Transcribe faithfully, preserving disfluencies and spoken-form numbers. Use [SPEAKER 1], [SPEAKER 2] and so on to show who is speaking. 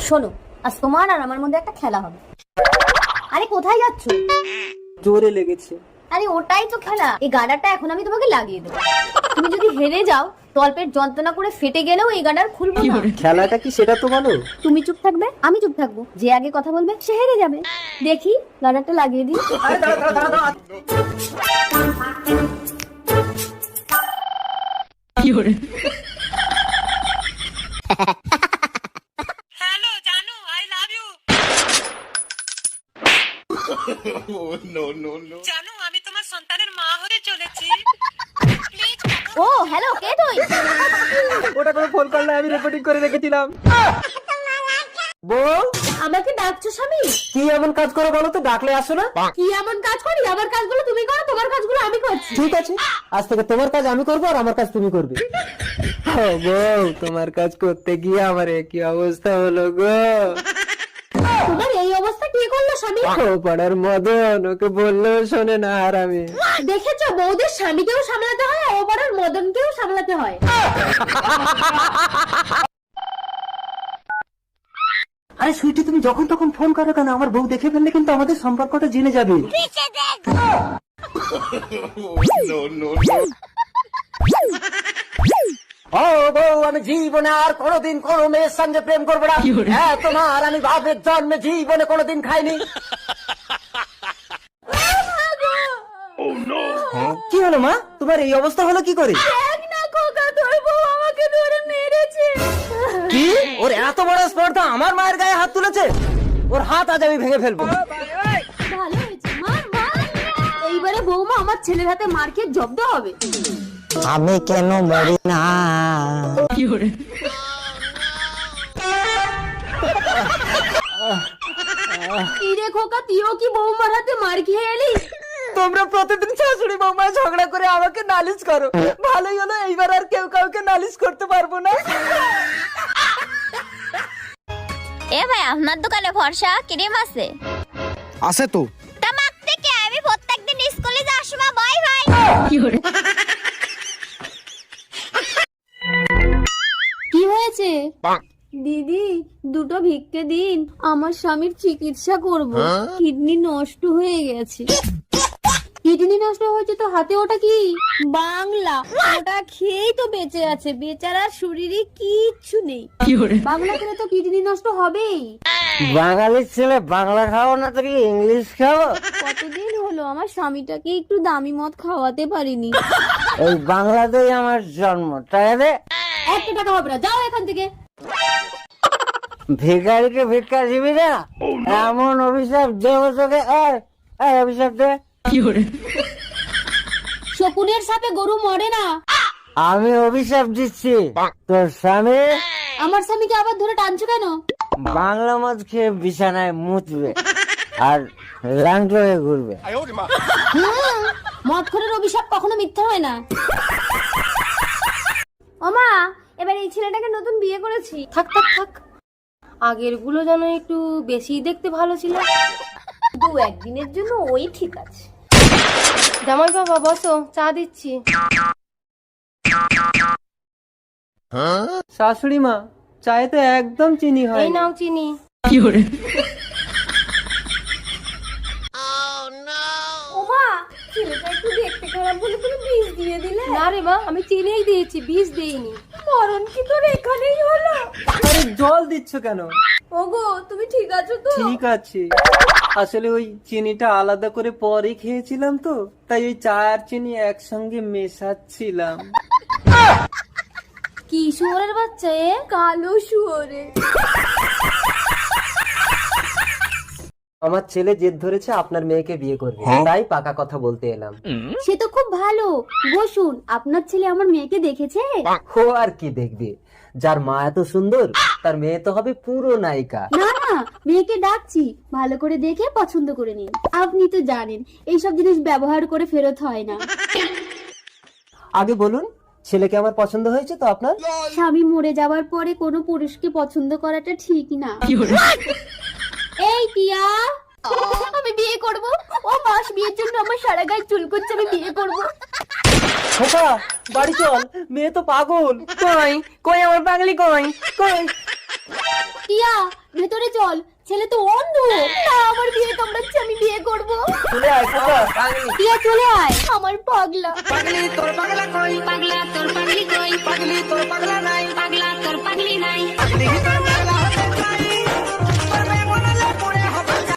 [SPEAKER 1] শোনো, আজ তোমার আর আমার মধ্যে একটা খেলা হবে। আরে কোথায় যাচ্ছ?
[SPEAKER 2] জোরে লেগেছে।
[SPEAKER 1] আরে ওটাই তো খেলা। এই গাডারটা এখন আমি তোমাকে লাগিয়ে দেবো। তুমি যদি হেরে যাও, তলপেট যন্ত্রণা করে ফেটে গেলেও এই গাডার খুলবো না।
[SPEAKER 2] খেলাটা কি সেটা তো বলো।
[SPEAKER 1] তুমি চুপ থাকবে, আমি চুপ থাকবো। যে আগে কথা বলবে সে হেরে যাবে। দেখি গাডারটা লাগিয়ে দিই।
[SPEAKER 3] হ্যালো জানু, আই লাভ ইউ। জানু, আমি তোমার সন্তানের মা হতে চলেছি। প্লিজ।
[SPEAKER 1] ও হ্যালো, কে তুই?
[SPEAKER 2] ওটা করে ফোন করলে আমি রেকর্ডিং করে রেখেছিলাম। বউ,
[SPEAKER 1] আমাকে ডাকছো স্বামী?
[SPEAKER 2] কি এমন কাজ করো বলো তো, ডাকলে আসো না?
[SPEAKER 1] কি এমন কাজ করি? আমার কাজগুলো তুমি করো, তোমার কাজগুলো আমি করছি।
[SPEAKER 2] ঠিক আছে, আজ থেকে তোমার কাজ আমি করবো আর আমার কাজ তুমি করবে। ও বউ, তোমার কাজ করতে গিয়ে আমার কি অবস্থা হলো গো।
[SPEAKER 1] তোমার এই অবস্থা কি করলো স্বামী?
[SPEAKER 2] ও পাড়ার মদন, ওকে বললেও শোনে না। আর আমি
[SPEAKER 1] দেখেছো, বউদের স্বামীকেও সামলাতে হয়, ও পাড়ার মদনকেও সামলাতে হয়।
[SPEAKER 2] আরে সুইটি, তুমি যখন তখন ফোন করো কেন? আমার বউ দেখে ফেললে কিন্তু আমাদের সম্পর্কটা জেনে যাবে। ও বউ, আমি জীবনে আর কোনোদিন কোনো মেয়ের সঙ্গে প্রেম করবো না। হ্যাঁ, তোমার আমি বাপের জন্মে জীবনে কোনোদিন খাইনি। কি হলো মা, তোমার এই অবস্থা হলো কি করে?
[SPEAKER 1] দেখ না খোকা, তোর বউ আমাকে ধরে মেরেছে।
[SPEAKER 2] কি? ওর এত বড় স্পর্ধা আমার মায়ের গায়ে হাত তুলেছে? ওর হাত আজ আমি ভেঙে ফেলবো।
[SPEAKER 1] ভালো হয়েছে, মার মার। এইবারে বৌমা আমার ছেলের হাতে মার খেয়ে জব্দ হবে।
[SPEAKER 2] আমি কেন মরি না?
[SPEAKER 1] কি রে খোকা, তুইও কি বৌমার হাতে মার খেয়ে এলি?
[SPEAKER 2] তোমরা প্রতিদিন শাশুড়ি বৌমা ঝগড়া করে আমাকে নালিশ করো। ভালোই হলো, এইবার আর কেউ কাউকে নালিশ করতে পারবো না।
[SPEAKER 4] এ ভাই, আপনার দোকানে ফর্সা ক্রিম আছে?
[SPEAKER 5] আছে তো।
[SPEAKER 4] তা মাখতে কে? আমি প্রত্যেকদিন স্কুলে যাওয়ার সময় বাই ভাই।
[SPEAKER 1] কি হয়েছে দিদি? দুটো ভিক্ষে দিন, আমার স্বামীর চিকিৎসা করব। কিডনি নষ্ট হয়ে গেছে। কিডনি নষ্ট হয়েছে তো হাতে ওটা কি? বাংলা। ওটা খেয়েই তো বেঁচে আছে। বেচারার শরীরে কিচ্ছু নেই। বাংলা খেলে তো কিডনি নষ্ট হবেই।
[SPEAKER 2] বাঙালির ছেলে বাংলা খাও না তো কি ইংলিশ খাও?
[SPEAKER 1] কতদিন হলো আমার স্বামীটাকে একটু দামি মদ খাওয়াতে পারিনি।
[SPEAKER 2] এই বাংলাতেই আমার জন্ম, তাই রে?
[SPEAKER 1] একটা টাকা হবে না, যাও এখান থেকে।
[SPEAKER 2] ভিখারিকে ভিক্ষা দিবি না? এমন অভিশাপ দেবো তোকে। এই অভিশাপ দে।
[SPEAKER 1] শকুনের সাথে গরু মরে না।
[SPEAKER 2] আমি অভিশাপ দিচ্ছি, তোর স্বামী
[SPEAKER 1] আমার স্বামীকে আবার ধরে টানছো কেন?
[SPEAKER 2] বাংলা মদ খেয়ে বিছানায় মুতবে আর ল্যাংটো হয়ে ঘুরবে।
[SPEAKER 1] হুম, মদখোরের অভিশাপ কখনো মিথ্যা হয় না। ওমা, এবার এই ছেলেটাকে নতুন বিয়ে করেছি। থাক থাক থাক, আগের গুলো যেন একটু বেশি দেখতে ভালো ছিল। দু একদিনের জন্য ওই ঠিক আছে। জামাই বাবা বসো, চা দিচ্ছি।
[SPEAKER 2] শাশুড়ি মা, চায়ে তো একদম চিনি হয়।
[SPEAKER 1] এই নাও চিনি। ওমা, ছেলেটা একটু দেখতে খারাপ বলে তুমি বিষ দিয়ে দিলে? না রে মা, আমি চিনিই দিয়েছি, বিষ দেইনি। মরণ কি তোর এখানেই হলো?
[SPEAKER 2] আরে জল দিচ্ছ কেন?
[SPEAKER 1] ওগো, তুমি ঠিক আছো তো?
[SPEAKER 2] ঠিক আছে, আসলে ওই চিনিটা আলাদা করে পরে খেয়েছিলাম তো, তাই ওই চা আর চিনি একসঙ্গে মেশাচ্ছিলাম।
[SPEAKER 1] কি শুয়োরের বাচ্চা এ? কালো শুয়োরে।
[SPEAKER 2] আমার ছেলে জেদ ধরেছে আপনার মেয়েকে বিয়ে করবে, তাই পাকা কথা বলতে এলাম।
[SPEAKER 1] সে তো খুব ভালো। বসুন, আপনার ছেলে আমার মেয়েকে দেখেছে?
[SPEAKER 2] ও আর কি দেখবে, যার মা এত সুন্দর তার মেয়ে তো হবে পুরো নায়িকা।
[SPEAKER 1] না না, মেয়েকে ডাকছি, ভালো করে দেখে পছন্দ করে নিন। আপনি তো জানেন এইসব জিনিস ব্যবহার করে ফেরত হয় না।
[SPEAKER 2] আগে বলুন, ছেলেকে আমার পছন্দ হয়েছে তো আপনার?
[SPEAKER 1] স্বামী মরে যাওয়ার পরে কোনো পুরুষকে পছন্দ করাটা ঠিক না। এই টিয়া, আমি বিয়ে করব। ও মাস বিয়ের জন্য আমার সারা গায়ে চুল করছে, আমি বিয়ে করব।
[SPEAKER 2] খোকা, বাড়ি চল, মেয়ে তো পাগল। কই কই আমার পাগলি, কই কই?
[SPEAKER 1] টিয়া ভেতরে চল, ছেলে তো অন্ধ। না, আমার বিয়ে কামড়াচ্ছে, আমি বিয়ে করব।
[SPEAKER 2] চলে আয় খোকা, পাগলি।
[SPEAKER 1] টিয়া চলে আয়, আমার পাগলা।
[SPEAKER 2] পাগলি তোর পাগলা কই,
[SPEAKER 1] পাগলা তোর পাগলি কই,
[SPEAKER 2] পাগলি তোর পাগলা নাই।